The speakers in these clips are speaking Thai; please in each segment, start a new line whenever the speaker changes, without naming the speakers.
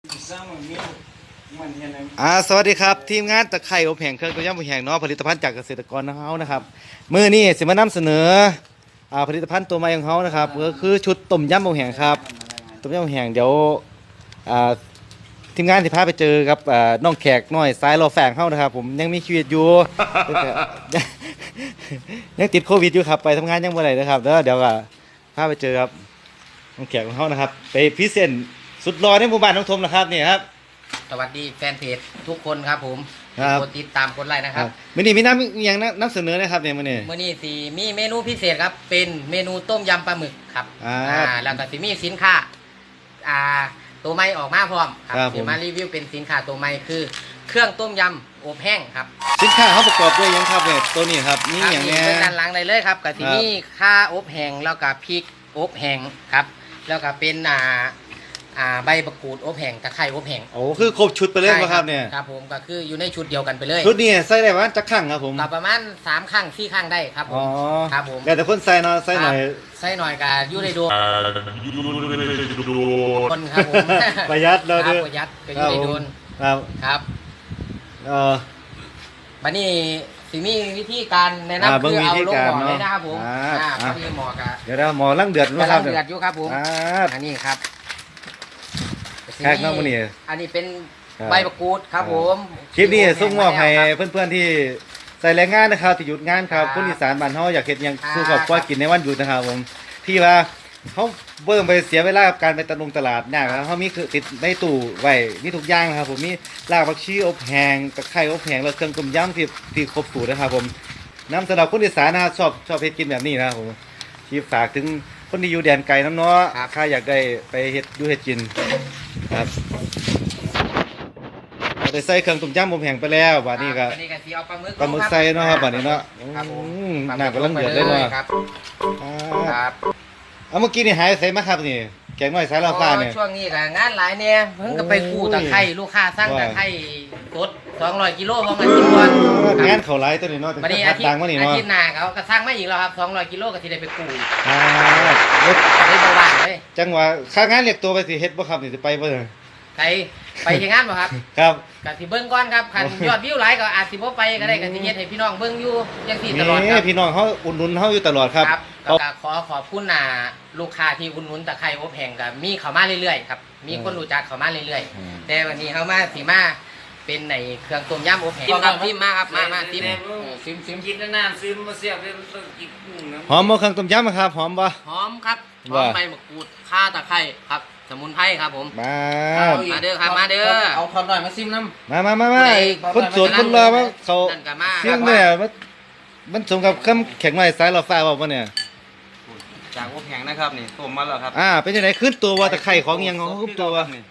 สวัสดีครับทีมงานตะไคร่อบแห้งเครื่องต้มยำอบแห้งเนาะผลิตภัณฑ์จากเกษตรกรของเรานะครับมื้อนี้สิมานำเสนอผลิตภัณฑ์ตัวใหม่ของเขานะครับก็คือชุดต้มยำอบแห้งครับต้มยำอบแห้งเดี๋ยวทีมงานสิพาไปเจอกับน้องแขกน้อยสายรอแฝงเขานะครับผมยังมีชีวิตอยู่ ยังติดโควิดอยู่ครับไปทำงานยังบ่ได้นะครับเดี๋ยวก็พาไปเจอครับน้องแขกของเขานะครับไปพิเศษสุดรอในหมู่บ้านน้องทมนะครับนี่ครับ
สวัสดีแฟนเพจทุกคนครับผมกดติดตามกดไลค์นะครับ
มื้อนี้มีน้ำอย่างน้ำเสนอนะครับเนี่ยมื้อนี้
สิมีเมนูพิเศษครับเป็นเมนูต้มยำปลาหมึกครับแล้วก็สิมีสินค้าตัวใหม่ออกมาพร้อมครับสิมารีวิวเป็นสินค้าตัวใหม่คือเครื่องต้มยำอบแห้งครับ
สินค้าเขาประกอบด้วยยังครับเนี่ยตัวนี้ครับนี่อย่างนี้
เป็นด้านหลังเลยครับก็สิมีข้าอบแห้งแล้วก็พริกอบแห้งครับแล้วก็เป็นใบมะกรูดอบแห้งตะไคร้อบแห้ง
โอ้คือครบชุดไปเลยครับเนี่ย
ครับผมก็คืออยู่ในชุดเดียวกันไปเลย
ชุดนี้ใส่ได้ประมาณจักครั้งครับผม
ประมาณ3ครั้ง4ครั้งได้ครับผมครับผม
แต่คนใส่เนาะใส่ห
น่อยก็อยู่ในโดนคนครับผม
ประหยัดเรา
ด้วยประหยัดก็อยู่ในโดนครับบัดนี้สิมีวิธีการแนะนำคือเอาลงหม้อเลยนะครับผมพอดีหม้อกะ
เดี๋ยวหม้อลังเดือด
นะครับเดือดอยู่ครับผมอันนี้ครับ
แขกน้องคนนี้
อันนี้เป็นใบมะกรูดครับผม
คลิปนี้ส่งมอบให้เพื่อนๆที่ใส่แรงงานนะครับที่หยุดงานครับคนอีสานบ้านเฮาอยากเฮ็ดหยังสู้กับความกินในวันหยุดนะครับผมที่ว่าเขาเบิ่งไปเสียเวลากับการไปตลาดยากนะเขามีติดในตู้ไว้มีทุกอย่างนะครับผมมีรากผักชีอบแห้งตะไคร้อบแห้งแล้วเครื่องต้มยำที่ครบสูตรนะครับผมน้ำสำหรับคนอีสานนะครับชอบเฮ็ดกินแบบนี้นะครับผมที่ฝากถึงคนที่อยู่แดนไกลน้ำเนาะถ้าอยากได้ไปเฮ็ดดูเฮ็ดกินครับเราได้ใส่เครื่องต้มยำอบแห้งไปแล้วบัดนี้ก็ปลาหมึกใส่เนาะครับบัดนี้เนาะน้ำกำลังเดือดเลยเนาะครับเมื่อกี้นี่หายใส่มาครับนี่แกงน้อยสายลาฟ้าเนี่ย
ช่วงนี้ก็งานหลายเนี่ยเพิ่งก็ไปกู้ตะไคร้ลูกค้าสั่งตะไคร้สด200กิโลพร้อมกันกินก่อน
งานเขาหลายตัวนี้เนาะ
บัดนี้อาทิตย์หน้าเขาก็สั่งมาอีกแล้วครับ200กิโลก็สิได้ไปกู้ได้บ่ว่างเลย
จังหวะค่างานเรียกตัวไปสิเฮ็ดบ่ครับนี่สิไปบ่
ไปที่งานบ่ครับ
ครับ
ก็สิเบิ่งก่อนครับคันยอดวิวหลายก็อาจสิบ่ไปก็ได้ก็สิเฮ็ดให้พี่น้องเบิ่งอยู่จังซี่ตลอดครับ
พี่น้องเฮาอุดหนุนเฮาอยู่ตลอดครับ
ก็ขอบคุณลูกค้าที่อุดหนุนตะไคร้อบแห้งก็มีเข้ามาเรื่อยๆครับมีคนรู้จักเข้ามาเรื่อยๆแต่วันนี้เฮามาสิมาเป็นในเครื่องต้มยำอบแห้งครับซิมมาครับมาซิม
กินนานๆซิมมาเสียบเลยต้องกิน
หอมบ่เครื่องต้มยำครับหอมบ่
หอมครับหอมใบมะกรูดข่าตะไคร้ครับสมุนไพรครับผมมาเด้อครับมาเด้อ
เอาทอดหน่อยมาซิมน้ำ
มาคนสวนคนรอมาเขาซิมเนี่ยมันสมกับคำแข็งไม้สายลาฟ้าบ่เนี่ย
จากอบแห้งนะครับนี่ต้มมาแล้วครับ
เป็นยังไงขึ้นตัวว่าตะไคร้ของยังของขึ้นตัว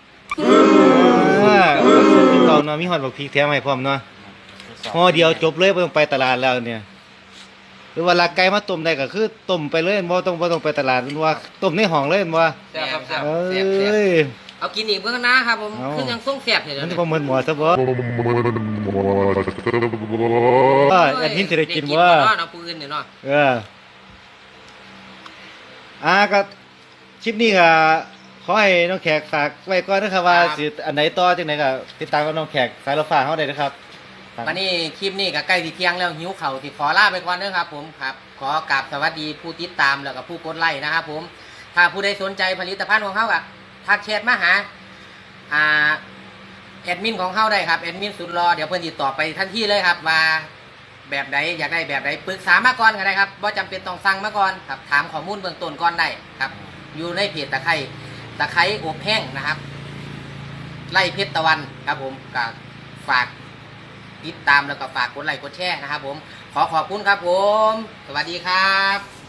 เราเนาะมีหอดบักพริกแถมให้พร้อมเนาะห่อเดียวจบเลยบ่ต้องไปตลาดแล้วเนี่ยหรือว่าลากไก่มาต้มได้ก็คือต้มไปเลยบ่ต้องไปตลาดมันว่าต้มในห้องเลยมันว่า
แซ่บครับเอากินอีกเบิ่งนะครับผมคือยังส่งแซ่บอยู่
มันสิบ่เหมือนหมูซะบ่อันนี้สิได้กินบ่
เอาปืนนี่เนาะ
ก็คลิปนี้ก็ขอให้น้องแขกฝากไว้ก่อนนะครับว่าสิอันไหนต่อจังได๋ก็ติดตามกับน้องแขกสายรถฟ้าเฮาได้นะครับ
วันนี้คลิปนี้ก็ใกล้สิเที่ยงแล้วหิวข้าวสิขอลาไปก่อนเด้อครับผมครับขอกราบสวัสดีผู้ติดตามแล้วก็ผู้กดไลค์นะครับผมถ้าผู้ใดสนใจผลิตภัณฑ์ของเฮาก็ทักแชทมาหาแอดมินของเฮาได้ครับแอดมินสุดรอเดี๋ยวเพิ่นติดต่อไปทันทีเลยครับว่าแบบใดอยากได้แบบใดปรึกษามาก่อนก็ได้ครับบ่จำเป็นต้องสั่งมาก่อนครับถามข้อมูลเบื้องต้นก่อนได้ครับอยู่ในเพจตะไคร้อบแห้งนะครับไล่เพชรตะวันครับผมก็ฝากติดตามแล้วก็ฝากกดไลค์กดแชร์นะครับผมขอบคุณครับผมสวัสดีครับ